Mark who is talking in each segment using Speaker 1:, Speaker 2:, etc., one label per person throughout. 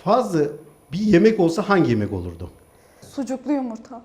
Speaker 1: Fazla bir yemek olsa hangi yemek olurdu?
Speaker 2: Sucuklu yumurta.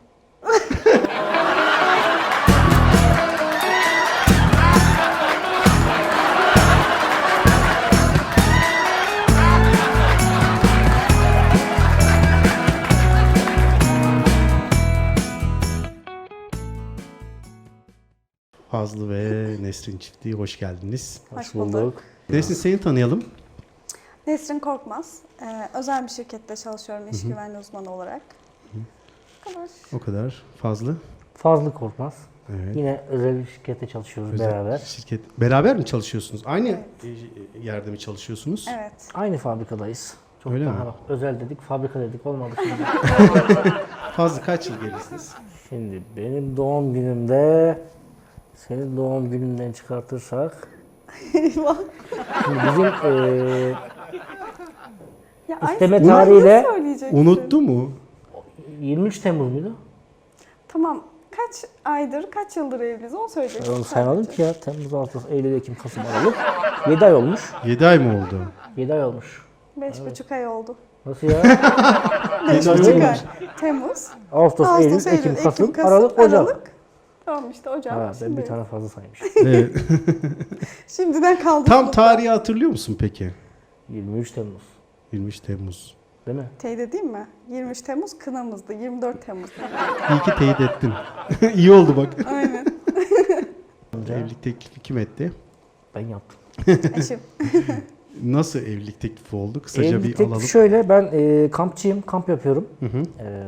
Speaker 1: Fazlı ve Nesrin çiftliği hoş geldiniz.
Speaker 2: Hoş bulduk.
Speaker 1: Nesrin seni tanıyalım.
Speaker 2: Nesrin Korkmaz. Özel bir şirkette çalışıyorum iş güvenliği uzmanı olarak. Bu kadar.
Speaker 1: O kadar. Fazlı.
Speaker 3: Fazlı Korkmaz.
Speaker 1: Evet.
Speaker 3: Yine özel bir şirkette çalışıyoruz
Speaker 1: Özel
Speaker 3: beraber.
Speaker 1: Şirket. Beraber mi çalışıyorsunuz? Aynı yerde mi çalışıyorsunuz?
Speaker 2: Evet.
Speaker 3: Aynı fabrikadayız. Çok
Speaker 1: Öyle
Speaker 3: daha
Speaker 1: mi?
Speaker 3: özel dedik, fabrika dedik olmadı şimdi.
Speaker 1: Fazlı kaç yıl gerisiniz?
Speaker 3: Şimdi benim doğum günümde senin doğum gününden çıkartırsak
Speaker 2: Eyvah.
Speaker 3: şimdi bizim
Speaker 2: Ya
Speaker 3: İsteme
Speaker 2: aynısını
Speaker 3: tarihiyle
Speaker 2: söyleyeceksin.
Speaker 1: Unuttu mu?
Speaker 3: 23 Temmuz muydu?
Speaker 2: Tamam. Kaç aydır, kaç yıldır evliyiz onu söyleyeceksin.
Speaker 3: Ben onu saymadım
Speaker 2: sadece.
Speaker 3: ki ya. Temmuz, Ağustos, Eylül, Ekim, Kasım, Aralık. 7 ay olmuş.
Speaker 1: 7 ay mı oldu?
Speaker 3: 7 ay olmuş.
Speaker 2: 5,5 ay oldu.
Speaker 3: Nasıl ya?
Speaker 2: 5,5 ay. Temmuz,
Speaker 3: Ağustos,
Speaker 2: Ağustos,
Speaker 3: Eylül, Ekim, Kasım, Aralık, Ocak.
Speaker 2: Tamam işte Ocak.
Speaker 3: Ha, ben
Speaker 2: Şimdi.
Speaker 3: bir tane fazla saymışım.
Speaker 1: Evet.
Speaker 2: Şimdiden kaldı.
Speaker 1: Tam tarihi hatırlıyor musun peki?
Speaker 3: 23 Temmuz.
Speaker 1: 23 Temmuz.
Speaker 3: Değil mi?
Speaker 2: Teyit edeyim mi? 23 Temmuz kınamızdı. 24 Temmuz.
Speaker 1: İyi ki teyit ettin. İyi oldu bak.
Speaker 2: Aynen.
Speaker 1: Evlilik teklifi kim etti?
Speaker 3: Ben yaptım.
Speaker 2: Eşim.
Speaker 1: Nasıl evlilik teklifi oldu? Kısaca
Speaker 3: Evlilik
Speaker 1: bir
Speaker 3: teklifi
Speaker 1: alalım.
Speaker 3: şöyle, ben kampçıyım, kamp yapıyorum.
Speaker 1: Hı hı.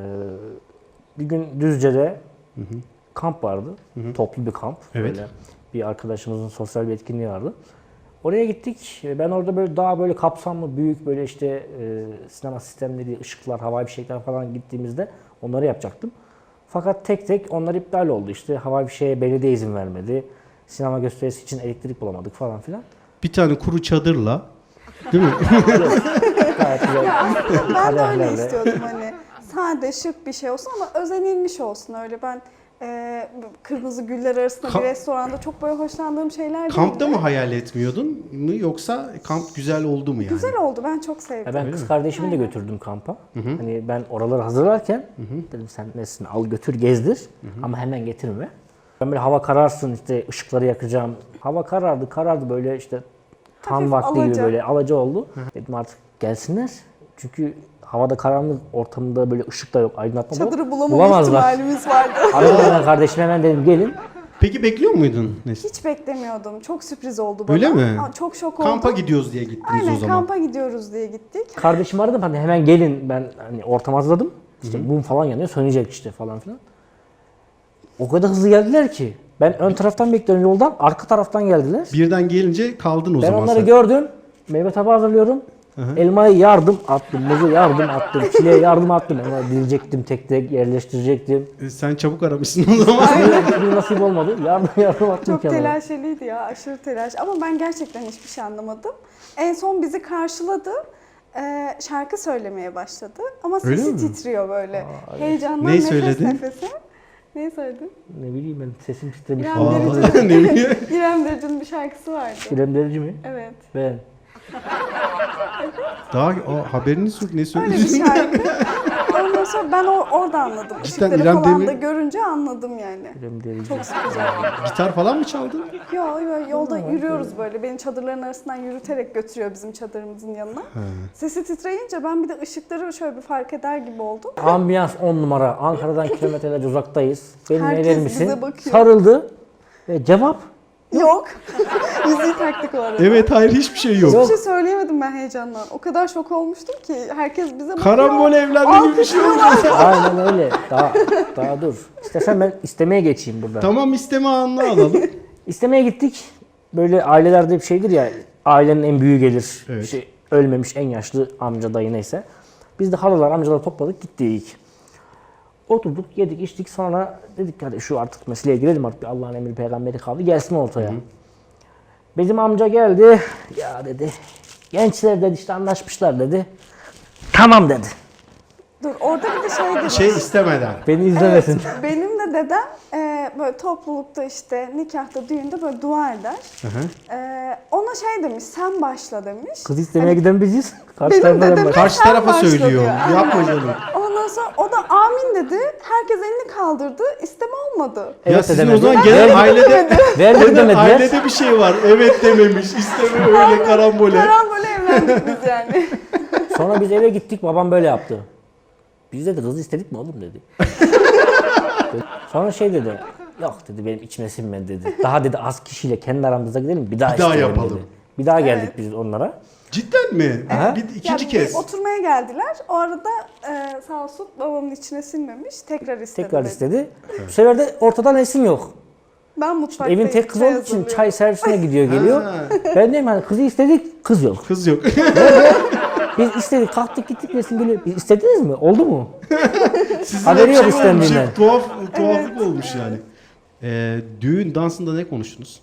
Speaker 3: Bir gün Düzce'de kamp vardı, toplu bir kamp.
Speaker 1: Evet.
Speaker 3: Böyle bir arkadaşımızın sosyal bir etkinliği vardı. Oraya gittik. Ben orada böyle daha böyle kapsamlı, büyük böyle işte sinema sistemleri, ışıklar, havai fişekler falan gittiğimizde onları yapacaktım. Fakat tek tek onlar iptal oldu. İşte havai fişeğe belediye izin vermedi. Sinema gösterisi için elektrik bulamadık falan filan.
Speaker 1: Bir tane kuru çadırla, değil mi?
Speaker 3: Gayet güzel.
Speaker 2: Ya aslında ben de öyle
Speaker 3: Kaderlerle.
Speaker 2: istiyordum hani. Sade şık bir şey olsun ama özenilmiş olsun öyle. Ben kırmızı güller arasında
Speaker 1: Ka-
Speaker 2: bir restoranda çok böyle hoşlandığım şeyler değil.
Speaker 1: Kampta mı hayal etmiyordun mu yoksa kamp güzel oldu mu yani?
Speaker 2: Güzel oldu. Ben çok sevdim.
Speaker 3: Ya ben kız kardeşimi de götürdüm kampa. Hani ben oraları hazırlarken dedim sen nesin al götür gezdir ama hemen getirme. Ben böyle hava kararsın işte ışıkları yakacağım. Hava karardı böyle işte tam
Speaker 2: Hafif
Speaker 3: vakti gibi
Speaker 2: alaca.
Speaker 3: böyle alaca oldu. Dedim artık gelsinler. Çünkü havada karanlık ortamında böyle ışık da yok, aydınlatma da yok.
Speaker 2: Çadırı bulamama
Speaker 3: Bulamazlar.
Speaker 2: ihtimalimiz vardı.
Speaker 3: Aradım ben kardeşime hemen dedim gelin.
Speaker 1: Peki bekliyor muydun Nesrin?
Speaker 2: Hiç beklemiyordum. Çok sürpriz oldu bana.
Speaker 1: Öyle mi?
Speaker 2: Çok şok oldum.
Speaker 1: Kampa gidiyoruz diye gittiniz
Speaker 2: Aynen
Speaker 1: o zaman.
Speaker 2: kampa gidiyoruz diye gittik.
Speaker 3: Kardeşimi aradım hani hemen gelin ben hani ortam hazırladım. İşte mum falan yanıyor sönecek işte falan filan. O kadar hızlı geldiler ki. Ben ön taraftan bekliyorum yoldan, arka taraftan geldiler.
Speaker 1: Birden gelince kaldın o
Speaker 3: Ben
Speaker 1: zaman
Speaker 3: onları
Speaker 1: sen.
Speaker 3: gördüm. Meyve tabağı hazırlıyorum. Elmayı yardım attım, muzu yardım attım, çileğe yardım attım. Onları dilecektim, tek tek yerleştirecektim.
Speaker 1: Sen çabuk aramışsın o zaman.
Speaker 3: Bir nasip olmadı. Yardım attım
Speaker 2: Çok
Speaker 3: kenara.
Speaker 2: telaşeliydi ya, aşırı telaş. Ama ben gerçekten hiçbir şey anlamadım. En son bizi karşıladı. Şarkı söylemeye başladı. Ama
Speaker 1: Öyle
Speaker 2: sesi
Speaker 1: mi?
Speaker 2: titriyor böyle. Heyecandan
Speaker 1: Neyi
Speaker 2: nefes
Speaker 1: söyledi?
Speaker 2: nefese. Neyi söyledi?
Speaker 3: Ne bileyim ben sesim titremiş.
Speaker 2: İrem
Speaker 1: Aa,
Speaker 2: Derici'nin
Speaker 1: ne bileyim.
Speaker 2: İrem Derici'nin bir şarkısı vardı.
Speaker 3: İrem Derici mi?
Speaker 2: Evet.
Speaker 3: Ben.
Speaker 1: Daha haberiniz yok ne
Speaker 2: Öyle bir
Speaker 1: söylediğini.
Speaker 2: şarkı. Ondan sonra ben orada anladım.
Speaker 1: Cidden
Speaker 2: Işıkları
Speaker 1: İrem
Speaker 2: falan
Speaker 1: Demir-
Speaker 2: da görünce anladım yani.
Speaker 3: İrem Derici.
Speaker 2: Çok sürpriz oldu.
Speaker 1: Gitar falan mı çaldın?
Speaker 2: Yo, yolda yürüyoruz böyle. Beni çadırların arasından yürüterek götürüyor bizim çadırımızın yanına. Sesi titreyince ben bir de ışıkları şöyle bir fark eder gibi oldum.
Speaker 3: Ambiyans 10 numara. Ankara'dan kilometrelerce uzaktayız. Benim
Speaker 2: Herkes
Speaker 3: neler misin?
Speaker 2: bize bakıyor.
Speaker 3: Sarıldı. Ve cevap
Speaker 2: Yok. Yüzüğü taktık o arada.
Speaker 1: Evet hayır hiçbir şey yok.
Speaker 2: Hiçbir şey söyleyemedim ben heyecandan. O kadar şok olmuştum ki herkes bize bakıyor.
Speaker 1: Karambol evlenme gibi bir şey oldu.
Speaker 3: aynen öyle. Daha dur. İstersen ben istemeye geçeyim burada.
Speaker 1: Tamam isteme anını alalım.
Speaker 3: İstemeye gittik. Böyle ailelerde bir şeydir ya. Ailenin en büyüğü gelir.
Speaker 1: Evet.
Speaker 3: İşte ölmemiş en yaşlı amca dayı neyse. Biz de halalar amcalar topladık gittik. Oturduk yedik içtik sonra dedik hadi şu artık meseleye girelim artık Allah'ın emri peygamberi kaldı gelsin ortaya. Bizim amca geldi ya dedi gençler dedi işte anlaşmışlar dedi. Tamam dedi.
Speaker 2: Dur orada bir de şey demiş.
Speaker 1: Şey istemeden.
Speaker 3: Beni izlemesin.
Speaker 2: Evet, benim de dedem böyle toplulukta işte nikahta, düğünde böyle dua eder.
Speaker 1: Hı hı.
Speaker 2: Ona şey demiş, sen başla demiş.
Speaker 3: Kız istemeye giden biziz. Karşı
Speaker 2: Benim
Speaker 3: tarafa
Speaker 2: dedem
Speaker 3: ben
Speaker 1: Karşı
Speaker 2: sen
Speaker 1: tarafa
Speaker 2: başla
Speaker 1: söylüyor.
Speaker 2: diyor, aynen.
Speaker 1: Yapma canım.
Speaker 2: Ondan sonra o da amin dedi. Herkes elini kaldırdı. İsteme olmadı.
Speaker 1: Ya
Speaker 3: Evet
Speaker 1: sizin o
Speaker 3: demedi.
Speaker 1: zaman genel ailede
Speaker 3: Vermedi demediler.
Speaker 1: ailede bir şey var. Evet dememiş, isteme öyle karambole.
Speaker 2: Karambole evlendik biz yani.
Speaker 3: Sonra biz eve gittik, babam böyle yaptı. Biz dedi kızı istedik mi oğlum dedi. Sonra şey dedi, yok dedi benim içime sinmedi dedi. Daha dedi az kişiyle kendi aramızda gidelim bir daha
Speaker 1: Bir daha
Speaker 3: isteyelim
Speaker 1: yapalım.
Speaker 3: dedi. Bir daha geldik biz onlara.
Speaker 1: Cidden mi?
Speaker 3: Aha.
Speaker 1: Bir ikinci
Speaker 2: Ya,
Speaker 1: kez.
Speaker 2: bir oturmaya geldiler. O arada sağ olsun babamın içine sinmemiş. Tekrar istedi.
Speaker 3: Tekrar
Speaker 2: dedi.
Speaker 3: istedi. Bu sefer de ortadan esim yok.
Speaker 2: Ben mutfaktayım.
Speaker 3: Evin tek kızı
Speaker 2: çay
Speaker 3: olduğu için
Speaker 2: hazırlıyorum.
Speaker 3: çay servisine gidiyor geliyor.
Speaker 1: Ha.
Speaker 3: Ben diyorum hani kızı istedik, kız yok.
Speaker 1: Kız yok.
Speaker 3: Biz istedik, kalktık gittik resim geliyor. Biz istediniz mi? Oldu mu?
Speaker 1: Sizin
Speaker 3: Haberi
Speaker 1: hep
Speaker 3: yok
Speaker 1: şey olmuş,
Speaker 3: istendiğinden.
Speaker 1: hep tuhaflık olmuş yani. Düğün dansında ne konuştunuz?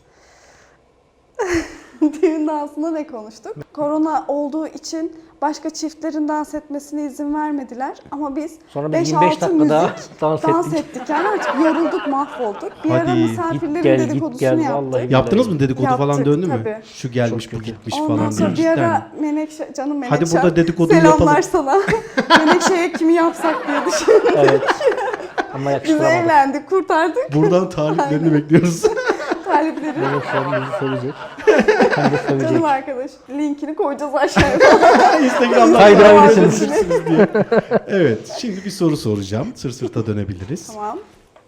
Speaker 2: Düğün dansında ne konuştuk? Korona olduğu için başka çiftlerin dans etmesine izin vermediler. Ama biz
Speaker 3: Sonra biz
Speaker 2: 5-6
Speaker 3: 25 dakika daha
Speaker 2: müzik
Speaker 3: dans ettik.
Speaker 2: ettik. Yani artık yorulduk, mahvolduk. Bir
Speaker 1: Hadi,
Speaker 2: ara
Speaker 1: git
Speaker 2: misafirlerin
Speaker 3: gel, git
Speaker 2: dedikodusunu
Speaker 3: gel,
Speaker 2: yaptık.
Speaker 3: vallahi.
Speaker 1: Yaptınız mı dedikodu
Speaker 2: Yaptık,
Speaker 1: falan döndü mü?
Speaker 2: tabii.
Speaker 1: Şu gelmiş
Speaker 3: Çok
Speaker 1: bu
Speaker 3: kötü.
Speaker 1: gitmiş
Speaker 2: Ondan
Speaker 1: falan
Speaker 2: sonra
Speaker 1: diye.
Speaker 2: bir
Speaker 1: Cidden
Speaker 2: ara
Speaker 1: mi?
Speaker 2: Menekşe, canım
Speaker 1: Hadi
Speaker 2: Menekşe.
Speaker 1: burada dedikoduyu
Speaker 2: Selamlar
Speaker 1: yapalım.
Speaker 2: sana. Menekşe'ye kimi yapsak diye düşündük.
Speaker 3: Evet. Ama
Speaker 2: Biz
Speaker 3: yakıştıramadık.
Speaker 2: evlendik, kurtardık.
Speaker 1: Buradan taliplerini bekliyoruz.
Speaker 2: Talipleri.
Speaker 3: Benim sorun bizi sevecek. Hem de sövecek.
Speaker 2: Canım arkadaş. Linkini koyacağız aşağıya.
Speaker 1: Instagram'dan
Speaker 3: Kaydırabilirsiniz.
Speaker 1: takip edebilirsiniz diye. Evet, şimdi bir soru soracağım. Sır sırta dönebiliriz.
Speaker 2: Tamam.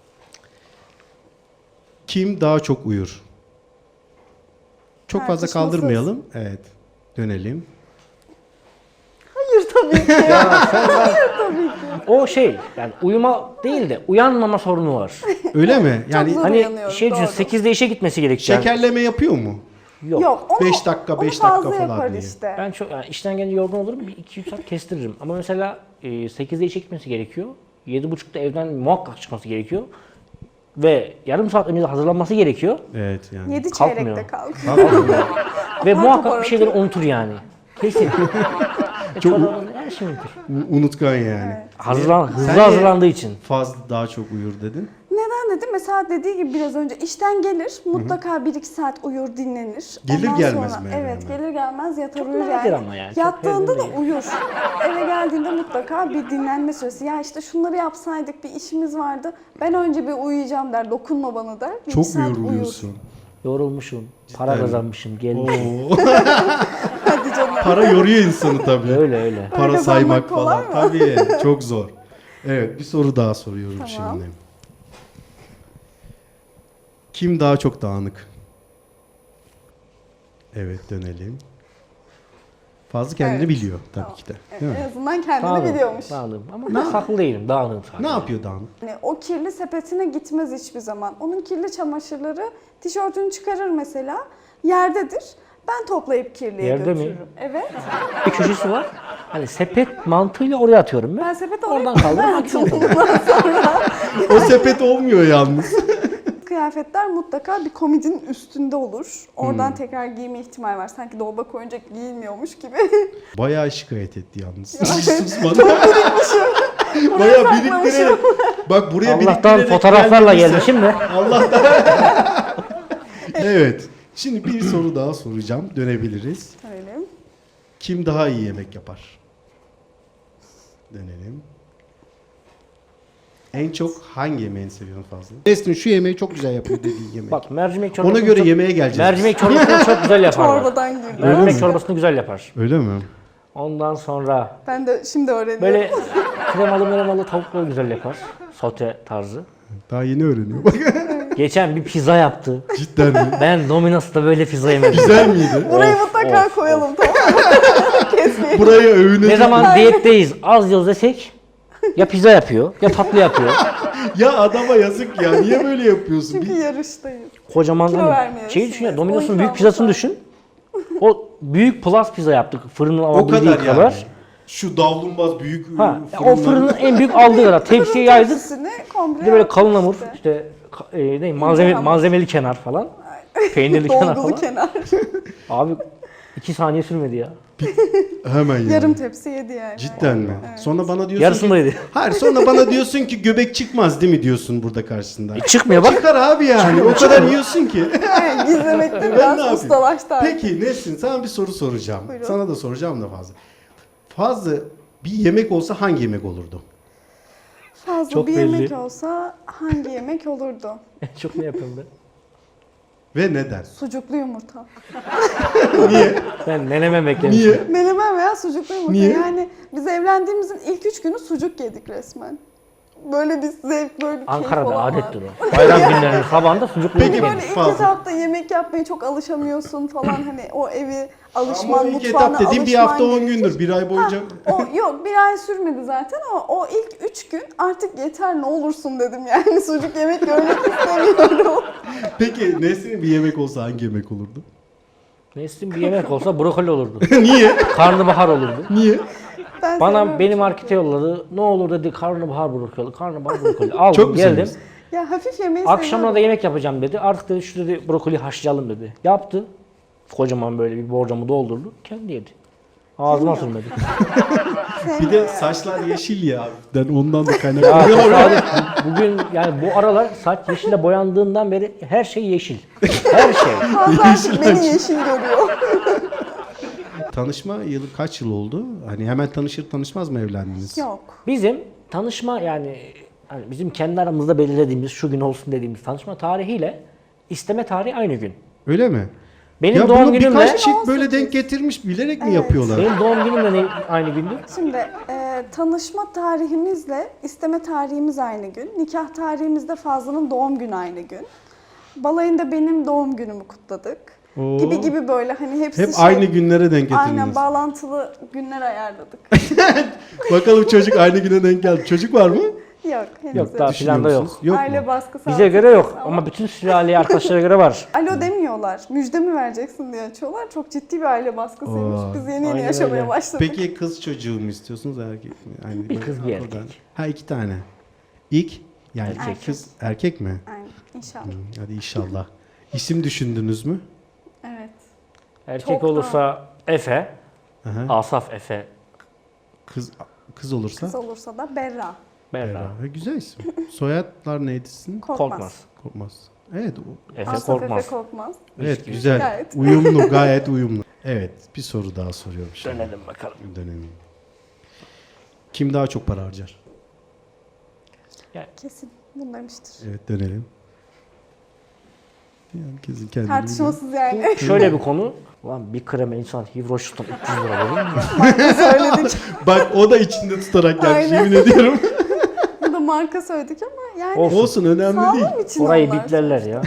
Speaker 1: Kim daha çok uyur? Çok fazla
Speaker 2: Tartışmasız.
Speaker 1: kaldırmayalım. Evet, dönelim.
Speaker 2: Hayır tabii ki. Hayır tabii ki.
Speaker 3: O şey yani uyuma değil de uyanmama sorunu var.
Speaker 1: Öyle mi? Yani
Speaker 2: zor.
Speaker 3: Hani
Speaker 2: Uyanıyorum,
Speaker 3: şey düşün
Speaker 2: doğru.
Speaker 3: 8'de işe gitmesi gerekiyor.
Speaker 1: şekerleme yapıyor mu?
Speaker 3: Yok.
Speaker 2: Yok. Onu,
Speaker 1: 5 dakika,
Speaker 2: onu
Speaker 1: 5 dakika
Speaker 2: fazla
Speaker 1: falan
Speaker 2: yapar
Speaker 1: diye.
Speaker 2: işte.
Speaker 3: Ben çok yani işten gelince yorgun olurum. Bir 2-3 saat kestiririm. Ama mesela 8'de işe gitmesi gerekiyor. 7.30'da evden muhakkak çıkması gerekiyor. Ve yarım saat önce de hazırlanması gerekiyor.
Speaker 1: Evet yani.
Speaker 2: 7
Speaker 3: Kalkmıyor.
Speaker 2: çeyrekte kalk.
Speaker 3: Ve muhakkak
Speaker 2: topar
Speaker 3: bir şeyleri unutur yani. Kesin.
Speaker 1: Çok-
Speaker 3: her şey unutur.
Speaker 1: Unutkan yani.
Speaker 3: Hızlı
Speaker 1: Sen de-
Speaker 3: hazırlandığı için.
Speaker 1: Fazla daha çok uyur dedin.
Speaker 2: Neden dedim? Mesela dediği gibi biraz önce işten gelir, mutlaka 1-2 saat uyur, dinlenir.
Speaker 1: Gelir
Speaker 2: Ondan
Speaker 1: gelmez
Speaker 2: sonra,
Speaker 1: mi eve
Speaker 2: Evet,
Speaker 1: hemen?
Speaker 2: gelir gelmez yatar
Speaker 3: Çok
Speaker 2: uyur
Speaker 3: nadir
Speaker 2: yani.
Speaker 3: ama yani, çok
Speaker 2: Yattığında da
Speaker 3: değil.
Speaker 2: uyur. Eve geldiğinde mutlaka bir dinlenme süresi. Ya işte şunları yapsaydık, bir işimiz vardı. Ben önce bir uyuyacağım der, dokunma bana der. 1-2
Speaker 1: Çok
Speaker 2: saat
Speaker 1: uyuyorsun.
Speaker 3: Yorulmuşum. Para
Speaker 1: mi?
Speaker 3: kazanmışım. Gelmişim.
Speaker 1: Oo.
Speaker 2: Hadi canım.
Speaker 1: Para yoruyor insanı tabii.
Speaker 3: Öyle öyle.
Speaker 1: Para
Speaker 2: Öyle
Speaker 1: saymak
Speaker 2: kazanmak kolay
Speaker 1: falan.
Speaker 2: mı?
Speaker 1: Tabii çok zor. Evet, bir soru daha soruyorum
Speaker 2: Tamam.
Speaker 1: şimdi. Kim daha çok dağınık? Evet, dönelim. Fazla kendini
Speaker 2: Evet.
Speaker 1: biliyor tabii
Speaker 2: Tamam.
Speaker 1: ki de. Değil mi?
Speaker 2: En azından kendini
Speaker 3: Dağınığım.
Speaker 2: biliyormuş.
Speaker 3: Dağınığım. Ama ben saklı değilim. Dağınığım sadece.
Speaker 1: Ne yapıyor dağınık?
Speaker 2: Yani o kirli sepetine gitmez hiçbir zaman. Onun kirli çamaşırları tişörtünü çıkarır mesela. Yerdedir. Ben toplayıp kirliye
Speaker 3: Yerde mi?
Speaker 2: götürürüm. Evet.
Speaker 3: Bir köşesi var. Hani sepet mantığıyla oraya atıyorum ben.
Speaker 2: Ben sepet
Speaker 3: Oradan
Speaker 2: alayım.
Speaker 3: kaldırıp atıyorum.
Speaker 1: O sepet olmuyor yalnız.
Speaker 2: Kıyafetler mutlaka bir komodinin üstünde olur. Oradan tekrar giyme ihtimali var. Sanki dolaba koyunca giyilmiyormuş gibi.
Speaker 1: Bayağı şikayet etti yalnız.
Speaker 2: Ya,
Speaker 1: Susmadı.
Speaker 2: Buraya
Speaker 1: Bayağı
Speaker 2: saklamışım.
Speaker 1: biriktirerek. Bak buraya
Speaker 3: Allah'tan
Speaker 1: biriktirerek
Speaker 3: fotoğraflarla
Speaker 1: geldiyse-
Speaker 3: gelmişim de.
Speaker 1: Allah'tan. Evet. Şimdi bir soru daha soracağım. Dönebiliriz.
Speaker 2: Öyle.
Speaker 1: Kim daha iyi yemek yapar? Dönelim. En çok hangi yemeğini seviyorsun fazla? Nesrin şu yemeği çok güzel yapıyor dediği yemek.
Speaker 3: Bak mercimek çorbasını
Speaker 1: Ona göre
Speaker 3: çok,
Speaker 1: yemeğe geleceğiz.
Speaker 3: mercimek çorbasını çok güzel yapar. bak.
Speaker 2: Çorbadan girdi.
Speaker 3: Mercimek çorbasını güzel yapar.
Speaker 1: Öyle mi?
Speaker 3: Ondan sonra
Speaker 2: Ben de şimdi öğreniyorum.
Speaker 3: böyle kremalı tavukları güzel yapar. Sote tarzı.
Speaker 1: Daha yeni öğreniyor. Bak
Speaker 3: Geçen bir pizza yaptı.
Speaker 1: cidden mi?
Speaker 3: Ben Domino's'ta böyle pizza yemedim.
Speaker 1: Güzel miydi?
Speaker 2: Burayı mutlaka koyalım tamam mı? Kesmeyelim.
Speaker 1: Buraya övünecek.
Speaker 3: Ne zaman diyetteyiz az yaz desek ya pizza yapıyor ya tatlı yapıyor.
Speaker 1: Ya adama yazık ya. Niye böyle yapıyorsun?
Speaker 2: Çünkü
Speaker 1: Bir-
Speaker 2: yarıştayız.
Speaker 3: Kocaman
Speaker 2: Kilo
Speaker 3: hani
Speaker 2: vermiyoruz
Speaker 3: şey düşün ya
Speaker 2: şimdi.
Speaker 3: Domino's'un
Speaker 2: Oyun
Speaker 3: büyük pizzasını
Speaker 2: kalması.
Speaker 3: düşün. O büyük plus pizza yaptık fırının
Speaker 1: o
Speaker 3: alabildiği
Speaker 1: kadar yani.
Speaker 3: kadar.
Speaker 1: Şu davlumbaz büyük
Speaker 3: Ha,
Speaker 1: fırınların-
Speaker 3: o fırının en büyük aldığı kadar tepsiye yaydık.
Speaker 2: Tepsisini komple
Speaker 3: Bir de böyle kalın hamur
Speaker 2: işte.
Speaker 3: işte
Speaker 2: hamur.
Speaker 3: malzemeli kenar falan. Peynirli kenar
Speaker 2: Dolgulu
Speaker 3: falan.
Speaker 2: kenar.
Speaker 3: Abi 2 saniye sürmedi ya.
Speaker 1: Hemen yani.
Speaker 2: Yarım tepsi yedi yani.
Speaker 1: Cidden mi?
Speaker 2: Evet.
Speaker 1: Sonra bana diyorsun
Speaker 3: Yarısını
Speaker 1: ki...
Speaker 3: da yedi.
Speaker 1: Hayır, sonra bana diyorsun ki göbek çıkmaz değil mi diyorsun burada karşısında.
Speaker 3: Çıkmıyor bak.
Speaker 1: Çıkar abi yani. O kadar yiyorsun ki.
Speaker 2: Evet, gizlemekte
Speaker 1: Ben ne
Speaker 2: biraz
Speaker 1: yapayım?
Speaker 2: ustalaştı artık.
Speaker 1: Peki Nesin, sana bir soru soracağım.
Speaker 2: Buyurun.
Speaker 1: Sana da soracağım da fazla. Fazla bir yemek olsa hangi yemek olurdu?
Speaker 2: Fazla
Speaker 3: Çok
Speaker 2: bir
Speaker 3: belli.
Speaker 2: yemek olsa hangi yemek olurdu?
Speaker 3: Çok ne yapıyorum ben?
Speaker 1: Ve neden?
Speaker 2: Sucuklu yumurta.
Speaker 1: Niye?
Speaker 3: Ben menemen beklemiştim.
Speaker 1: Niye?
Speaker 2: Menemen veya sucuklu yumurta.
Speaker 1: Niye?
Speaker 2: Yani biz evlendiğimizin ilk 3 günü sucuk yedik resmen. Böyle bir zevk, böyle bir keyif
Speaker 3: Ankara'da
Speaker 2: olan var.
Speaker 3: adettir o. Bayram günlerinin sabahında sucuklu
Speaker 1: Peki,
Speaker 3: yemek
Speaker 2: Böyle
Speaker 3: yenir.
Speaker 2: ilk
Speaker 1: fazla.
Speaker 2: etapta yemek yapmaya çok alışamıyorsun falan, hani o evi
Speaker 1: Ama
Speaker 2: alışman,
Speaker 1: ilk
Speaker 2: mutfağına
Speaker 1: etap dediğim bir hafta 10
Speaker 2: gerekir.
Speaker 1: gündür. Bir ay boyunca...
Speaker 2: O yok, bir ay sürmedi zaten ama o ilk 3 gün artık yeter ne olursun dedim yani, sucuk yemek görmek istemiyorum.
Speaker 1: Peki Nesin'in bir yemek olsa hangi yemek olurdu?
Speaker 3: Neslin bir yemek olsa brokoli olurdu.
Speaker 1: Niye?
Speaker 3: Karnabahar olurdu.
Speaker 1: Niye?
Speaker 2: Ben
Speaker 3: Bana
Speaker 2: seviyorum
Speaker 3: beni
Speaker 2: çünkü.
Speaker 3: markete yolladı. Ne olur dedi karnabahar brokoli, karnabahar brokoli. Aldım
Speaker 1: Çok mu
Speaker 3: geldim.
Speaker 1: seviyorsun?
Speaker 2: Ya hafif yemeği
Speaker 3: Akşamına
Speaker 2: seviyorum.
Speaker 3: da yemek yapacağım dedi. Artık dedi şu dedi brokoli haşlayalım dedi. Yaptı. Kocaman böyle bir borcamı doldurdu. Kendi yedi. Ağzıma sürmedi.
Speaker 1: Bir de saçlar yeşil ya. Ben ondan da
Speaker 3: Ya
Speaker 1: kaynaklanıyor.
Speaker 3: tesadüf. Bugün yani bu aralar saç yeşile boyandığından beri her şey yeşil. Her şey.
Speaker 2: Fazla artık beni yeşil görüyor.
Speaker 1: Tanışma yılı kaç yıl oldu? Hani hemen tanışır tanışmaz mı evlendiniz?
Speaker 2: Yok.
Speaker 3: Bizim tanışma yani hani bizim kendi aramızda belirlediğimiz şu gün olsun dediğimiz tanışma tarihiyle isteme tarihi aynı gün.
Speaker 1: Öyle mi?
Speaker 3: Benim
Speaker 1: Ya
Speaker 3: doğum
Speaker 1: bunu
Speaker 3: günümle
Speaker 1: birkaç çift böyle
Speaker 2: 18.
Speaker 1: denk getirmiş bilerek mi
Speaker 2: Evet.
Speaker 1: yapıyorlar?
Speaker 3: benim doğum günümle aynı gündü.
Speaker 2: Şimdi tanışma tarihimizle isteme tarihimiz aynı gün. Nikah tarihimizde Fazlı'nın doğum günü aynı gün. Balayında benim doğum günümü kutladık.
Speaker 1: Oo.
Speaker 2: Gibi böyle hani hepsi
Speaker 1: Hep aynı günlere denk
Speaker 2: Aynen,
Speaker 1: getirdiniz.
Speaker 2: bağlantılı günler ayarladık.
Speaker 1: Bakalım çocuk aynı güne denk geldi. Çocuk var mı?
Speaker 2: Yok henüz
Speaker 3: Yok,
Speaker 2: yok.
Speaker 3: daha
Speaker 1: Düşünüyor
Speaker 3: planda yok.
Speaker 1: musunuz? Yok
Speaker 2: Aile
Speaker 1: mu?
Speaker 2: baskısı
Speaker 3: Bize
Speaker 2: altında
Speaker 3: göre yok
Speaker 2: ama
Speaker 3: ama bütün sülaleye arkadaşlara göre var.
Speaker 2: alo demiyorlar. Müjde mi vereceksin diye açıyorlar. Çok ciddi bir aile baskısıymış.
Speaker 1: Oo.
Speaker 2: Biz yeni
Speaker 3: Aynen
Speaker 2: yaşamaya
Speaker 3: öyle.
Speaker 2: başladık.
Speaker 1: Peki kız çocuğu mu istiyorsunuz erkek mi? Yani
Speaker 3: Bir kız, bir erkek.
Speaker 1: Ha, 2 tane. İlk yani
Speaker 2: Erkek.
Speaker 1: kız erkek mi?
Speaker 2: Aynen, inşallah.
Speaker 1: Hadi inşallah. İsim düşündünüz mü?
Speaker 2: Evet.
Speaker 3: Erkek
Speaker 2: Çok da-
Speaker 3: olursa Efe,
Speaker 1: Aha.
Speaker 3: Asaf Efe,
Speaker 1: Kız olursa?
Speaker 2: Kız olursa da Berra.
Speaker 3: Berra,
Speaker 1: Ha, güzel isim. Soyadlar neydi sizin?
Speaker 2: Korkmaz.
Speaker 3: Korkmaz.
Speaker 1: Korkmaz. Evet.
Speaker 3: Efe
Speaker 2: Asaf
Speaker 3: Korkmaz.
Speaker 2: Efe Korkmaz.
Speaker 1: Evet
Speaker 3: gibi.
Speaker 1: güzel.
Speaker 2: Gayet.
Speaker 1: Uyumlu, gayet uyumlu. Evet, bir soru daha soruyorum şimdi.
Speaker 3: Dönelim bakalım.
Speaker 1: Dönelim. Kim daha çok para harcar?
Speaker 2: Kesin bunu demiştir.
Speaker 1: Evet, dönelim. Herkesin kendini
Speaker 2: Tartışmasız yani.
Speaker 3: Şöyle bir konu. Lan bir kreme insan hivroştan 300 lira verir mi?
Speaker 2: Söyledik.
Speaker 1: biliyor. Bak o da içinde tutarak gelmiş,
Speaker 2: Aynen.
Speaker 1: yemin ediyorum.
Speaker 2: Burada marka söyledik ama yani
Speaker 3: Olsun.
Speaker 1: Olsun, önemli değil.
Speaker 2: sağlığım için
Speaker 3: Orayı
Speaker 2: onlar.
Speaker 3: biplerler ya.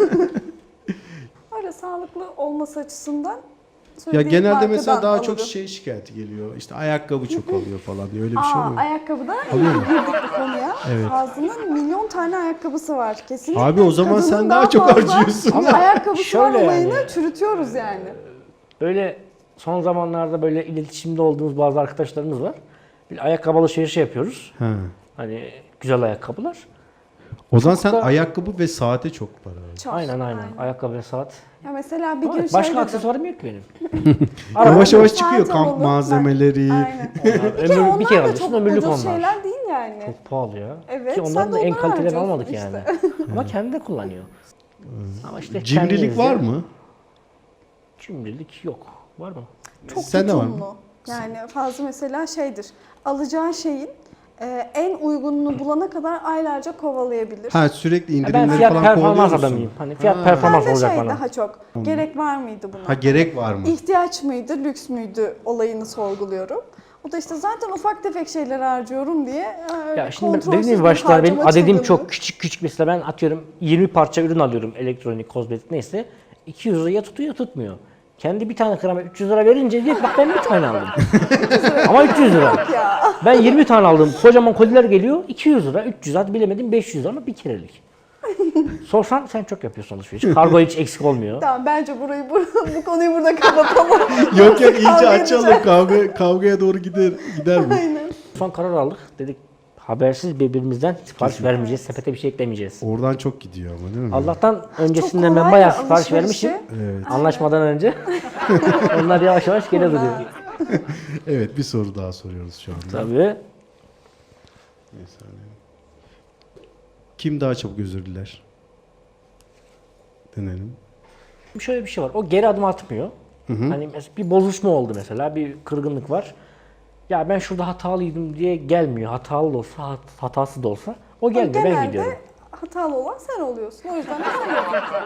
Speaker 2: Öyle sağlıklı olması açısından
Speaker 1: Ya
Speaker 2: söylediğim
Speaker 1: genelde
Speaker 2: markadan
Speaker 1: mesela daha çok
Speaker 2: alırım.
Speaker 1: şey şikayeti geliyor. İşte ayakkabı çok alıyor falan diye, öyle bir şey oluyor.
Speaker 2: Ayakkabıda
Speaker 1: Alıyor mu?
Speaker 2: girdik bu konuya.
Speaker 1: Evet.
Speaker 2: Fazlı'nın milyon tane ayakkabısı var. Kesinlikle.
Speaker 1: Abi o zaman
Speaker 2: kadının
Speaker 1: sen daha çok
Speaker 2: fazla
Speaker 1: harcıyorsun.
Speaker 3: Ama
Speaker 2: ayakkabısı
Speaker 3: şöyle
Speaker 2: var olayını
Speaker 3: yani.
Speaker 2: çürütüyoruz yani.
Speaker 3: Böyle son zamanlarda böyle iletişimde olduğumuz bazı arkadaşlarımız var. Bir ayakkabı alışverişi yapıyoruz.
Speaker 1: Ha.
Speaker 3: Hani güzel ayakkabılar.
Speaker 1: O zaman sen
Speaker 3: da-
Speaker 1: ayakkabı ve saate çok para harcıyorsun.
Speaker 2: Çok.
Speaker 3: Aynen. Ayakkabı ve saat.
Speaker 2: Ya mesela bir
Speaker 3: Ama
Speaker 2: gün
Speaker 3: başka
Speaker 2: şey dedim.
Speaker 3: aksesuarım yok benim.
Speaker 1: Yavaş yavaş
Speaker 2: Saat
Speaker 1: çıkıyor kamp
Speaker 2: alalım.
Speaker 1: malzemeleri.
Speaker 2: Aynen.
Speaker 3: Bir kere
Speaker 2: Onlar da
Speaker 3: alıyorsun
Speaker 2: çok
Speaker 3: ömürlük
Speaker 2: ucuz
Speaker 3: onlar.
Speaker 2: şeyler değil yani.
Speaker 3: Çok pahalı ya.
Speaker 2: Evet,
Speaker 3: Ki
Speaker 2: sen
Speaker 3: ondan
Speaker 2: de
Speaker 3: da en
Speaker 2: onları
Speaker 3: kalitelerini
Speaker 2: harcıyorsun
Speaker 3: almadık
Speaker 2: işte.
Speaker 3: yani. Ama kendi de kullanıyor. Ama işte
Speaker 1: Cimrilik
Speaker 3: kendinizce-
Speaker 1: var mı?
Speaker 3: Cimrilik yok. Var mı?
Speaker 2: Çok
Speaker 1: Sende var mı?
Speaker 2: tutumlu. Yani fazla mesela şeydir. Alacağı şeyin en uygununu bulana kadar aylarca kovalayabilir.
Speaker 1: Ha, sürekli
Speaker 3: Ya ben
Speaker 1: indirimleri
Speaker 3: fiyat
Speaker 1: falan
Speaker 3: performans
Speaker 1: kovalıyor musun?
Speaker 3: adamıyım. Hani fiyat
Speaker 1: Ha.
Speaker 3: performans
Speaker 2: Ben de
Speaker 3: olacak
Speaker 2: şey
Speaker 3: bana.
Speaker 2: daha çok gerek var mıydı buna?
Speaker 1: Ha, gerek var mı?
Speaker 2: İhtiyaç mıydı, lüks müydü olayını sorguluyorum. O da işte zaten ufak tefek şeyler harcıyorum diye öyle
Speaker 3: Ya şimdi
Speaker 2: kontrolsüz
Speaker 3: dediğim gibi
Speaker 2: bir
Speaker 3: başta benim
Speaker 2: harcama
Speaker 3: adedim
Speaker 2: çılgınlığı.
Speaker 3: çok küçük mesela ben atıyorum 20 parça ürün alıyorum elektronik, kozmetik neyse 200 lira ya tutuyor ya tutmuyor. Kendi bir tane krema 300 lira verince diyor ki, bak ben bir tane aldım. Ama 300 lira.
Speaker 2: Ya.
Speaker 3: Ben 20 tane aldım. Kocaman koliler geliyor 200 lira, 300 hadi bilemedim 500 lira ama bir kerelik. Sorsan sen çok yapıyorsun alışveriş. Kargo hiç eksik olmuyor.
Speaker 2: Tamam, bence bu konuyu burada kapatalım.
Speaker 1: Yok iyice
Speaker 2: Kavga
Speaker 1: açalım,
Speaker 2: edeceğiz.
Speaker 1: kavgaya doğru gider bu.
Speaker 2: Aynen.
Speaker 3: Son karar aldık. Dedik Habersiz birbirimizden sipariş vermeyeceğiz. Sepete bir şey eklemeyeceğiz.
Speaker 1: Oradan çok gidiyor ama değil mi?
Speaker 3: Allah'tan öncesinden
Speaker 2: Çok
Speaker 3: ben
Speaker 2: kolay
Speaker 3: bayağı
Speaker 2: ya
Speaker 3: sipariş
Speaker 2: alışverişi.
Speaker 3: vermişim.
Speaker 1: Evet.
Speaker 3: Anlaşmadan önce. Onlar yavaş yavaş geri duruyor.
Speaker 1: Evet, bir soru daha soruyoruz şu anda.
Speaker 3: Tabii.
Speaker 1: Bir saniye. Kim daha çabuk özür diler? Denelim.
Speaker 3: Şöyle bir şey var. O geri adım atmıyor. Hani mesela bir bozuşma oldu mesela. Bir kırgınlık var. Ya ben şurada hatalıydım diye gelmiyor. Hatalı da olsa, hatası da olsa. O gelmiyor. Ben gidiyorum.
Speaker 2: Genelde hatalı olan sen oluyorsun. O yüzden de sen yapıyorsun.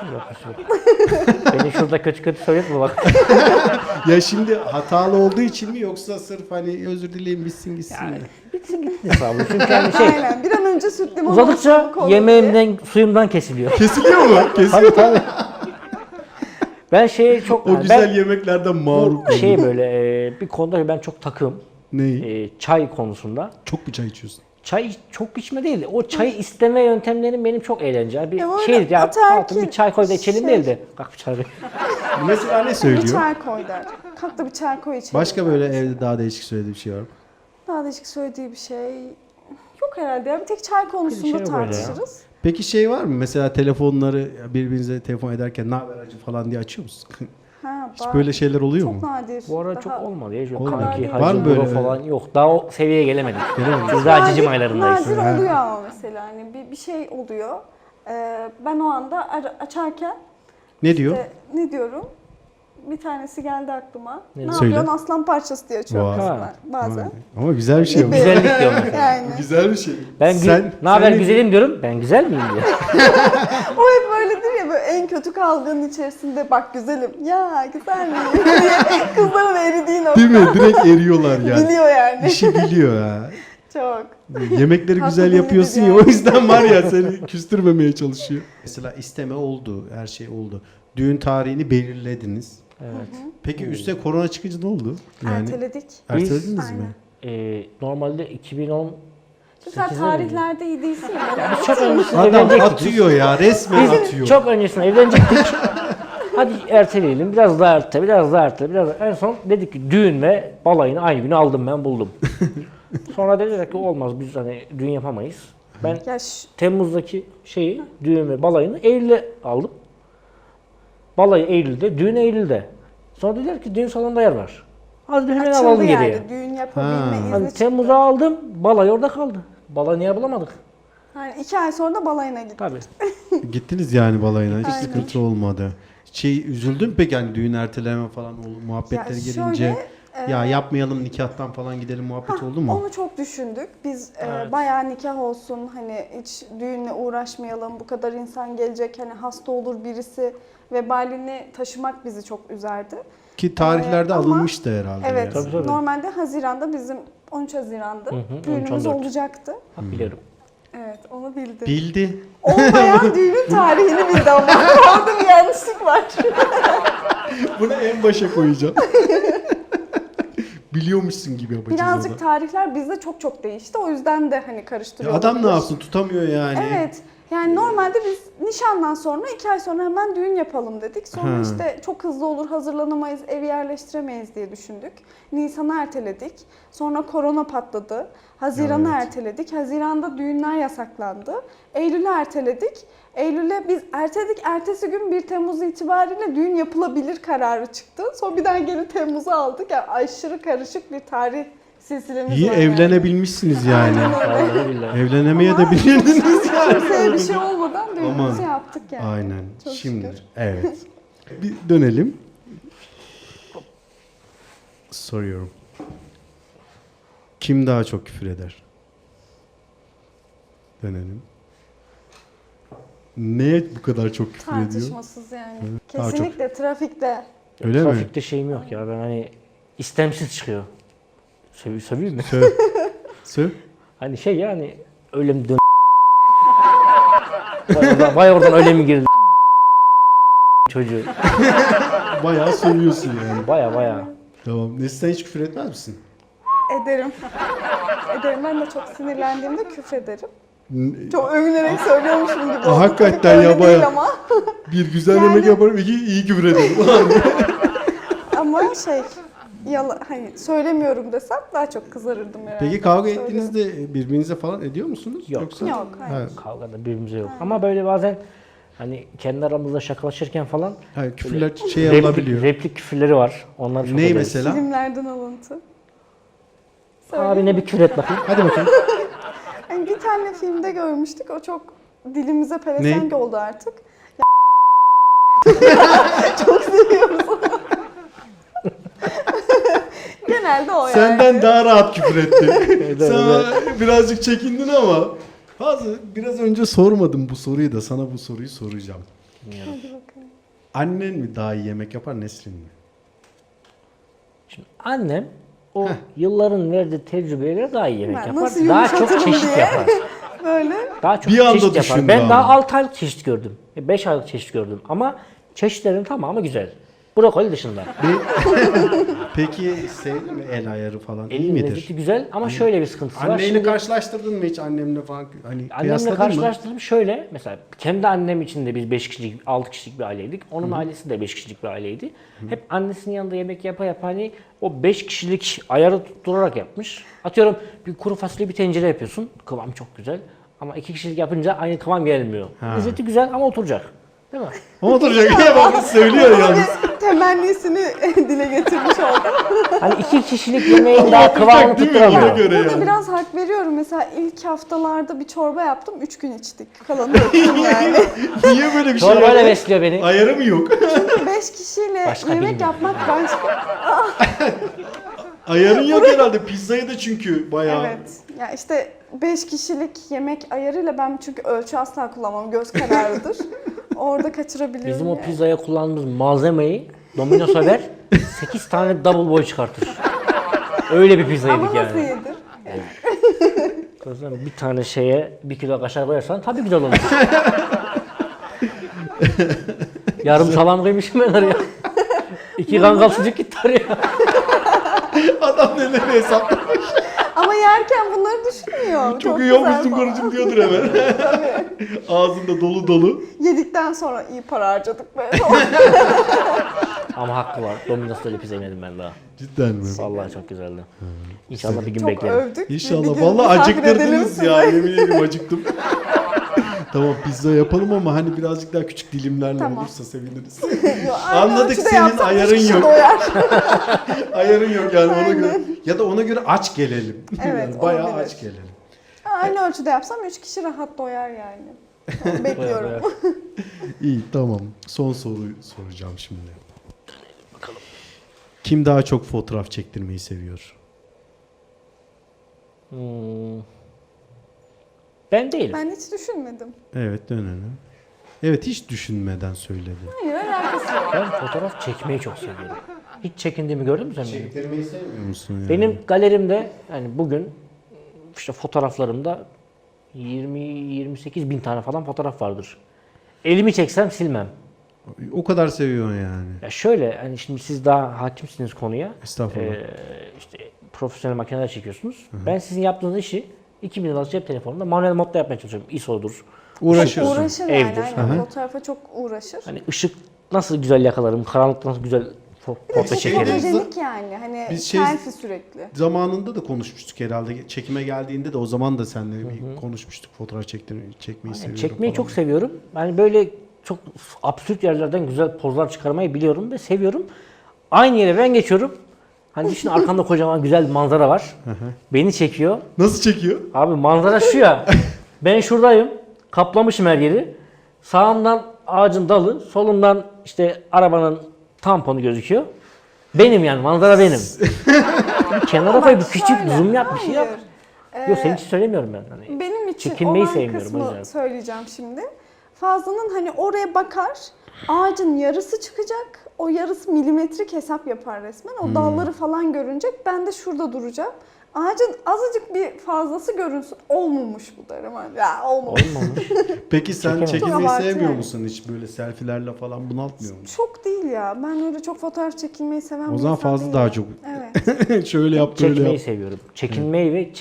Speaker 3: Beni şurada kötü kötü söyletme bak.
Speaker 1: Ya şimdi hatalı olduğu için mi yoksa sırf hani özür dileyim bitsin gitsin mi?
Speaker 3: Bitsin gitsin hesabı. Çünkü hani şey
Speaker 2: Aynen. Bir an önce süt limon
Speaker 3: uzadıkça
Speaker 2: olsun, kola diye.
Speaker 3: yemeğimden, suyumdan kesiliyor.
Speaker 1: Kesiliyor mu? Kesiliyor.
Speaker 3: Tabii tabii. Ben şeye çok...
Speaker 1: O
Speaker 3: yani
Speaker 1: güzel
Speaker 3: ben
Speaker 1: yemeklerden mağrup
Speaker 3: bu şey böyle bir konuda ben çok takığım.
Speaker 1: Neyi?
Speaker 3: Çay konusunda.
Speaker 1: Çok mu çay içiyorsun?
Speaker 3: Çay çok içme değil. O çayı isteme yöntemlerim benim çok eğlenceli. Bir
Speaker 2: öyle
Speaker 3: şey ya
Speaker 2: ataerkil
Speaker 3: hayatım bir çay koy da içelim
Speaker 2: şey.
Speaker 3: değil de. Kalk bir çay koy.
Speaker 1: Mesela ne
Speaker 2: Bir
Speaker 1: söylüyor?
Speaker 2: çay koy der. Kalk da bir çay koy içelim.
Speaker 1: Başka böyle evde daha değişik söylediği bir şey var mı?
Speaker 2: Daha değişik söylediği bir şey yok herhalde ya. Bir tek çay konusunda
Speaker 3: şey yok öyle ya.
Speaker 2: tartışırız.
Speaker 1: Peki şey var mı? Mesela telefonları birbirinize telefon ederken ne haber acı falan diye açıyor musun?
Speaker 2: Ha,
Speaker 1: Hiç böyle şeyler oluyor
Speaker 2: çok
Speaker 1: mu?
Speaker 2: nadir.
Speaker 3: Bu ara
Speaker 2: Daha-
Speaker 3: çok olmadı ya. Yok,
Speaker 1: Olmadı.
Speaker 3: kanki,
Speaker 2: Var
Speaker 3: hacı,
Speaker 1: mı
Speaker 3: bro
Speaker 1: böyle?
Speaker 3: falan yok. Daha o seviyeye gelemedik. Biz daha cicim aylarındayız.
Speaker 2: Nadir
Speaker 1: Ha.
Speaker 2: oluyor ama mesela hani bir şey oluyor. Ben o anda açarken
Speaker 1: Ne diyor?
Speaker 2: ne diyorum? Bir tanesi geldi aklıma. Ne
Speaker 1: Söyle.
Speaker 2: yapıyorsun aslan parçası diye açıyorum
Speaker 1: Vay.
Speaker 2: mesela bazen.
Speaker 1: Ama güzel bir şey bu.
Speaker 3: Güzellik diyorum mesela.
Speaker 2: Yani
Speaker 1: Güzel bir şey.
Speaker 3: Ben ne haber
Speaker 1: sen-
Speaker 3: güzelim diyorum. Ben güzel miyim diyor.
Speaker 2: o hep böyledir ya böyle en kötü kavganın içerisinde bak güzelim ya güzel miyim diye kızların eridiğini o
Speaker 1: Değil mi? Direkt eriyorlar yani.
Speaker 2: biliyor yani.
Speaker 1: İşi biliyor ha.
Speaker 2: Çok.
Speaker 1: Yemekleri
Speaker 2: Tatlı
Speaker 1: güzel
Speaker 2: dillidir
Speaker 1: yapıyorsun ya
Speaker 2: yani.
Speaker 1: o yüzden var ya seni küstürmemeye çalışıyor. Mesela isteme oldu, her şey oldu. Düğün tarihini belirlediniz.
Speaker 3: Evet.
Speaker 1: Peki üstte korona çıkınca ne oldu? Yani
Speaker 2: Erteledik.
Speaker 1: ertelediniz
Speaker 2: Aynen.
Speaker 1: mi?
Speaker 3: Normalde 2010
Speaker 2: Çünkü sen tarihlerde iyi değilsin ya.
Speaker 3: biz çok öncesinde
Speaker 1: Adam
Speaker 3: evlenecektik.
Speaker 1: atıyor ya, resmen atıyor.
Speaker 3: Biz çok öncesinde evlenecektik. Hadi erteleyelim. Biraz daha ertele, biraz daha ertele, biraz daha. En son dedik ki düğün ve balayını aynı günü aldım ben buldum. Sonra dediler ki olmaz biz hani düğün yapamayız. Ben
Speaker 2: Ya
Speaker 3: Temmuz'daki düğün ve balayını Eylül'e aldım. Balayı Eylül'de, düğün Eylül'de. Sonra dediler ki düğün salonunda yer var. Hadi hemen
Speaker 2: açıldı
Speaker 3: alalım
Speaker 2: yani.
Speaker 3: geriye.
Speaker 2: Düğün yapabilme
Speaker 1: Ha.
Speaker 2: izni
Speaker 3: Hani
Speaker 2: çıktı.
Speaker 3: Temmuz'a aldım, balayı orada kaldı. Balayı niye bulamadık?
Speaker 2: Yani 2 ay sonra da balayına gittik.
Speaker 3: Tabii.
Speaker 1: Gittiniz yani balayına, hiç
Speaker 2: Aynen.
Speaker 1: sıkıntı olmadı. Üzüldün mü peki hani düğün erteleme falan muhabbetleri
Speaker 2: Ya
Speaker 1: gelince?
Speaker 2: şöyle,
Speaker 1: Ya yapmayalım nikahtan falan gidelim muhabbet oldu mu?
Speaker 2: Onu çok düşündük. Biz
Speaker 3: Evet.
Speaker 2: bayağı nikah olsun hani hiç düğünle uğraşmayalım. Bu kadar insan gelecek hani hasta olur birisi vebalini taşımak bizi çok üzerdi.
Speaker 1: Ki tarihlerde
Speaker 2: ama-
Speaker 1: alınmıştı herhalde.
Speaker 2: Evet.
Speaker 1: yani.
Speaker 3: Tabii, tabii.
Speaker 2: Normalde Haziran'da bizim 13 Haziran'da
Speaker 3: hı,
Speaker 2: düğünümüz
Speaker 3: 13-14.
Speaker 2: olacaktı.
Speaker 3: Bak biliyorum.
Speaker 2: Evet, onu bildi.
Speaker 1: Bildi.
Speaker 2: Olmayan düğünün tarihini bildi ama orada bir yanlışlık var.
Speaker 1: Bunu en başa koyacağım. Biliyormuşsun gibi yapacağız
Speaker 2: Birazcık
Speaker 1: orada.
Speaker 2: tarihler bizde çok değişti. O yüzden de hani
Speaker 1: Ya
Speaker 2: karıştırıyor.
Speaker 1: adam ne
Speaker 2: olabilir.
Speaker 1: yapsın tutamıyor yani.
Speaker 2: Evet. Yani normalde biz nişandan sonra 2 ay sonra hemen düğün yapalım dedik. Sonra
Speaker 1: Ha.
Speaker 2: işte çok hızlı olur, hazırlanamayız, evi yerleştiremeyiz diye düşündük. Nisan'ı erteledik. Sonra korona patladı. Haziran'ı
Speaker 1: Evet.
Speaker 2: erteledik. Haziran'da düğünler yasaklandı. Eylül'ü erteledik. Eylül'e biz erteledik. Ertesi gün 1 Temmuz itibariyle düğün yapılabilir kararı çıktı. Sonra bir daha geri Temmuz'a aldık. Yani aşırı karışık bir tarih silsilemiz
Speaker 1: İyi
Speaker 2: var. yani.
Speaker 1: evlenebilmişsiniz yani.
Speaker 3: Vallahi billahi.
Speaker 1: Evlenemeye
Speaker 2: Ama
Speaker 1: de bilirdiniz yani.
Speaker 2: Kimseye bir şey olmadan düğünümüzü
Speaker 1: Aman.
Speaker 2: yaptık yani.
Speaker 1: Aynen.
Speaker 2: Çok
Speaker 1: Şimdi
Speaker 2: şükür.
Speaker 1: evet. Bir dönelim. Soruyorum. Kim daha çok küfür eder? Dönelim. Neye bu kadar çok küfür ediyor?
Speaker 2: Tartışmasız yani.
Speaker 1: Daha çok.
Speaker 2: Kesinlikle trafikte.
Speaker 1: Öyle mi?
Speaker 3: Trafikte şeyim yok ya ben hani istemsiz çıkıyor. Söveyim mi?
Speaker 1: Söv. Söv.
Speaker 3: Hani şey yani öyle mi dön vay oradan öyle mi girdi çocuğu.
Speaker 1: Bayağı söylüyorsun yani.
Speaker 3: Baya.
Speaker 1: Tamam. Nesli sen hiç küfür etmez misin?
Speaker 2: Ederim. Ederim. Ben de çok sinirlendiğimde küfrederim. Çok övünerek söylüyormuşum gibi oldu.
Speaker 1: Hakikaten
Speaker 2: Tabii
Speaker 1: ya,
Speaker 2: öyle
Speaker 1: bayağı.
Speaker 2: değil ama.
Speaker 1: Bir güzel
Speaker 2: Yani-
Speaker 1: yemek yaparım, iki iyi küfür ederim.
Speaker 2: Ama şey hani söylemiyorum desem daha çok kızarırdım herhalde.
Speaker 1: Peki kavga
Speaker 2: Söylüyorum.
Speaker 1: ettiğinizde birbirinize falan ediyor musunuz?
Speaker 3: Yok.
Speaker 1: Yoksa?
Speaker 2: Yok, hayır.
Speaker 3: Kavgada birbirimize yok. Ama böyle bazen hani kendi aramızda şakalaşırken falan
Speaker 1: Hayır, küfürler şey olabiliyor.
Speaker 3: replik küfürleri var. Onları çok
Speaker 1: Ney
Speaker 3: ederiz.
Speaker 1: mesela?
Speaker 2: Filmlerden alıntı.
Speaker 3: Abi ne bir küfür et bakayım.
Speaker 1: Hadi bakayım.
Speaker 2: Yani bir tane filmde görmüştük. O çok dilimize pelesenk oldu artık. Çok seviyoruz onu. Genelde o yani.
Speaker 1: Senden daha rahat küfür etti.
Speaker 3: Evet,
Speaker 1: Sen birazcık çekindin ama biraz önce sormadım bu soruyu da sana bu soruyu soracağım.
Speaker 2: Hadi bakalım.
Speaker 1: Annen mi daha iyi yemek yapar, Nesrin mi?
Speaker 3: Şimdi annem o yılların verdiği tecrübeyle daha iyi yemek
Speaker 2: Ben
Speaker 3: yapar.
Speaker 2: nasıl
Speaker 3: Daha çok
Speaker 2: yumuşatırım
Speaker 3: çeşit
Speaker 2: diye.
Speaker 3: yapar.
Speaker 2: Böyle.
Speaker 3: Daha çok
Speaker 1: Bir anda
Speaker 3: çeşit yapar.
Speaker 1: düşündü
Speaker 3: Ben
Speaker 1: ama.
Speaker 3: daha 6 aylık çeşit gördüm. 5 aylık çeşit gördüm. Ama çeşitlerin tamamı güzel. Brokoli dışında.
Speaker 1: Peki sevdin mi el ayarı falan? İyi
Speaker 3: Elin
Speaker 1: midir?
Speaker 3: lezzeti güzel ama şöyle bir sıkıntısı var.
Speaker 1: Anneyle
Speaker 3: Şimdi
Speaker 1: karşılaştırdın mı hiç annemle falan? Hani
Speaker 3: annemle
Speaker 1: kıyasladın mı?
Speaker 3: karşılaştırdım şöyle. Mesela kendi annem için de biz 5 kişilik, 6 kişilik bir aileydik. Onun ailesi de 5 kişilik bir aileydi. Hep annesinin yanında yemek yapa hani o 5 kişilik ayarı tutturarak yapmış. Atıyorum bir kuru fasulye bir tencere yapıyorsun. Kıvam çok güzel. Ama 2 kişilik yapınca aynı kıvam gelmiyor. Lezzeti güzel ama oturacak. Değil mi?
Speaker 1: Ama oturacak ya bak söylüyor yalnız.
Speaker 2: Bir temennisini dile getirmiş oldu.
Speaker 3: Hani 2 kişilik yemeğin daha kıvamını
Speaker 1: Oturacak değil mi? Ona
Speaker 3: tutturamıyor.
Speaker 1: göre
Speaker 2: Burada
Speaker 1: yani.
Speaker 2: biraz hak veriyorum. Mesela ilk haftalarda bir çorba yaptım. 3 gün içtik. Kalanı döktüm yani.
Speaker 1: Niye böyle bir şey
Speaker 3: Çorbayla
Speaker 1: yaptın?
Speaker 3: besliyor beni.
Speaker 1: Ayarı mı yok?
Speaker 2: 5 kişiyle
Speaker 3: Başka
Speaker 2: yemek
Speaker 3: bilmiyorum.
Speaker 2: yapmak başka.
Speaker 1: Ayarın yok herhalde. Pizzayı da çünkü bayağı.
Speaker 2: Evet. Ya işte 5 kişilik yemek ayarıyla ben çünkü ölçü asla kullanmam. Göz kararıdır. Orada kaçırabiliyorum.
Speaker 3: Bizim o
Speaker 2: yani.
Speaker 3: pizzaya kullandığımız malzemeyi Domino's'a ver 8 tane double boy çıkartır. Öyle bir pizza yedik
Speaker 2: Ama
Speaker 3: yani.
Speaker 2: nasıl yedir?
Speaker 3: O zaman bir tane şeye 1 kilo kaşar koyarsan tabii güzel olur. Yarım salam koymuşum ben oraya. 2 kangal sucuk gitti oraya.
Speaker 1: Adam neleri hesaplamış.
Speaker 2: Ama yerken bunları düşünmüyor.
Speaker 1: Çok iyi
Speaker 2: güzel
Speaker 1: yapmışsın
Speaker 2: falan.
Speaker 1: karıcığım diyordur hemen. Ağzında dolu dolu.
Speaker 2: Yedikten sonra iyi para harcadık be.
Speaker 3: Ama hakkı var. Domino's'ta öyle pizza yemedim ben daha.
Speaker 1: Cidden mi?
Speaker 3: Vallahi çok güzeldi. İnşallah bir gün
Speaker 2: Çok
Speaker 3: beklerim.
Speaker 2: övdük. Bir
Speaker 1: İnşallah.
Speaker 2: gün
Speaker 1: Vallahi
Speaker 2: misafir edelim
Speaker 1: acıktırdınız
Speaker 2: sizi.
Speaker 1: ya. Yemin ederim acıktım. Tamam pizza yapalım ama hani birazcık daha küçük dilimlerle
Speaker 2: Tamam.
Speaker 1: olursa seviniriz.
Speaker 2: Yo, aynı
Speaker 1: Anladık,
Speaker 2: ölçüde
Speaker 1: senin
Speaker 2: yapsam üç
Speaker 1: ayarın
Speaker 2: kişi
Speaker 1: yok.
Speaker 2: doyar.
Speaker 1: Ayarın yok yani ona
Speaker 2: Aynen.
Speaker 1: göre. Ya da ona göre aç gelelim.
Speaker 2: Evet,
Speaker 1: Yani bayağı
Speaker 2: olabilir.
Speaker 1: aç gelelim.
Speaker 2: Aynı ölçüde yapsam 3 kişi rahat doyar yani. Tamam, bekliyorum.
Speaker 3: Bayağı
Speaker 1: İyi tamam. Son soruyu soracağım şimdi. Kim daha çok fotoğraf çektirmeyi seviyor?
Speaker 3: Ben değilim.
Speaker 2: Ben hiç düşünmedim.
Speaker 1: Evet dönelim. Evet hiç düşünmeden söyledi.
Speaker 2: Hayır alakası yok.
Speaker 3: Ben fotoğraf çekmeyi çok seviyorum. Hiç çekindiğimi gördün mü sen benim?
Speaker 1: Çektirmeyi sevmiyor musun yani?
Speaker 3: Benim galerimde yani bugün işte fotoğraflarımda 20-28 bin tane falan fotoğraf vardır. Elimi çeksem silmem.
Speaker 1: O kadar seviyorsun yani.
Speaker 3: Ya şöyle hani şimdi siz daha hakimsiniz konuya.
Speaker 1: Estağfurullah.
Speaker 3: İşte profesyonel makineler çekiyorsunuz. Ben sizin yaptığınız işi 2000 liralık cep telefonunda manuel modda yapmaya çalışıyorum. ISO'dur.
Speaker 1: Uğraşıyorsun.
Speaker 2: Uğraşır
Speaker 3: Evdir.
Speaker 2: yani. Aynen. Fotoğrafa çok uğraşır.
Speaker 3: Hani ışık nasıl güzel yakalarım, karanlıkta nasıl güzel portre
Speaker 2: Çok
Speaker 3: çekerim.
Speaker 2: fotojenik yani. Hani
Speaker 1: Biz
Speaker 2: selfie sürekli.
Speaker 1: Zamanında da konuşmuştuk herhalde. Çekime geldiğinde de o zaman da seninle bir konuşmuştuk. Fotoğraf çekmeyi seviyorum
Speaker 3: Çekmeyi
Speaker 1: falan.
Speaker 3: çok seviyorum. Yani böyle çok absürt yerlerden güzel pozlar çıkarmayı biliyorum ve seviyorum. Aynı yere ben geçiyorum. Hani düşün arkamda kocaman güzel bir manzara var. Beni çekiyor.
Speaker 1: Nasıl çekiyor?
Speaker 3: Abi manzara şu ya. Ben şuradayım. Kaplamışım her yeri. Sağımdan ağacın dalı, solumdan işte arabanın tamponu gözüküyor. Benim yani manzara benim. Kenara koy bir küçük
Speaker 2: Şöyle,
Speaker 3: zoom yap bir şey yap.
Speaker 2: hayır.
Speaker 3: Yok senin için söylemiyorum ben. Hani
Speaker 2: Benim için
Speaker 3: çekinmeyi
Speaker 2: olan
Speaker 3: sevmiyorum o
Speaker 2: kısmı
Speaker 3: yüzden.
Speaker 2: söyleyeceğim şimdi. Fazlının hani oraya bakar, ağacın yarısı çıkacak, o yarısı milimetrik hesap yapar resmen. O dalları falan görünecek, ben de şurada duracağım. Ağacın azıcık bir fazlası görünsün, olmamış bu derim. Ya olmamış.
Speaker 3: Olmamış.
Speaker 1: Peki sen
Speaker 3: Çekemem.
Speaker 1: çekilmeyi
Speaker 2: Çok abartı
Speaker 1: sevmiyor
Speaker 2: yani.
Speaker 1: musun hiç böyle selfilerle falan bunaltmıyor musun?
Speaker 2: Çok değil ya. Ben öyle çok fotoğraf çekilmeyi seven
Speaker 1: O
Speaker 2: bir
Speaker 1: zaman
Speaker 2: insan
Speaker 1: fazla
Speaker 2: değilim.
Speaker 1: daha çok.
Speaker 2: Evet.
Speaker 1: Şöyle yap böyle
Speaker 3: Çekmeyi
Speaker 1: yap.
Speaker 3: seviyorum. Çekinmeyi ve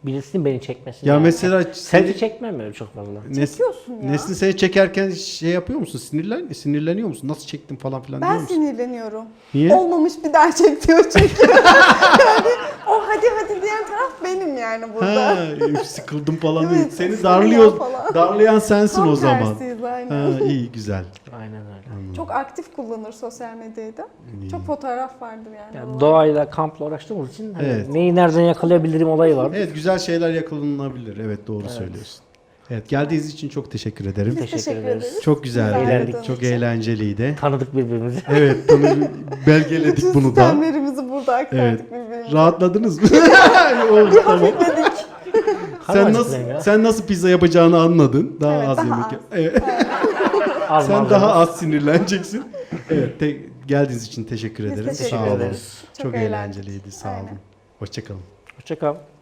Speaker 3: birisinin beni çekmesini.
Speaker 1: Ya
Speaker 3: yani.
Speaker 1: mesela
Speaker 3: Selfie çekmem öyle çok fazla.
Speaker 2: Çekiyorsun ya.
Speaker 1: Nesin seni çekerken şey yapıyor musun? Sinirleniyor musun? Nasıl çektin falan filan diyor
Speaker 2: Ben
Speaker 1: musun?
Speaker 2: sinirleniyorum.
Speaker 1: Niye?
Speaker 2: Olmamış bir daha çek diyor çünkü. Yani o hadi diyen taraf benim yani burada.
Speaker 1: Ha, sıkıldım falan
Speaker 2: Evet,
Speaker 1: değil. Seni
Speaker 2: sıkılıyor
Speaker 1: darlıyor.
Speaker 2: falan.
Speaker 1: Darlayan sensin
Speaker 2: Tam
Speaker 1: o zaman.
Speaker 2: tersiyiz aynen.
Speaker 1: Ha, iyi güzel.
Speaker 3: Aynen öyle.
Speaker 2: Çok aktif kullanır sosyal medyayı da. Çok fotoğraf vardır yani.
Speaker 3: Yani doğayla, kampla uğraştığımız için hani
Speaker 1: Evet.
Speaker 3: neyi nereden yakalayabilirim olayı var.
Speaker 1: Evet, güzel şeyler yakalanabilir. Evet, doğru söylüyorsun. Evet, geldiğiniz için çok teşekkür ederim.
Speaker 2: Biz
Speaker 3: Teşekkür
Speaker 2: teşekkür
Speaker 3: ederiz.
Speaker 2: ederiz.
Speaker 1: Çok güzeldi.
Speaker 3: Eğlendik.
Speaker 1: Çok eğlenceliydi.
Speaker 3: Tanıdık birbirimizi.
Speaker 1: Evet, belgeledik
Speaker 2: Bütün
Speaker 1: bunu da.
Speaker 2: sistemlerimizi burada aktardık
Speaker 1: Evet.
Speaker 2: birbirimize.
Speaker 1: Rahatladınız mı? Oldu, tamam. Sen nasıl pizza yapacağını anladın. Daha
Speaker 2: Evet,
Speaker 1: az
Speaker 2: daha
Speaker 1: yemek.
Speaker 2: az.
Speaker 1: Evet.
Speaker 3: Az
Speaker 1: Sen
Speaker 3: malzeme.
Speaker 1: daha az sinirleneceksin. Evet, geldiğiniz için teşekkür
Speaker 2: Biz
Speaker 1: ederiz.
Speaker 2: teşekkür
Speaker 1: Sağ olun.
Speaker 3: ederiz.
Speaker 1: Çok
Speaker 2: Çok eğlendik.
Speaker 1: eğlenceliydi. Sağ olun.
Speaker 2: Aynen.
Speaker 1: Hoşça kalın.
Speaker 3: Hoşça kal.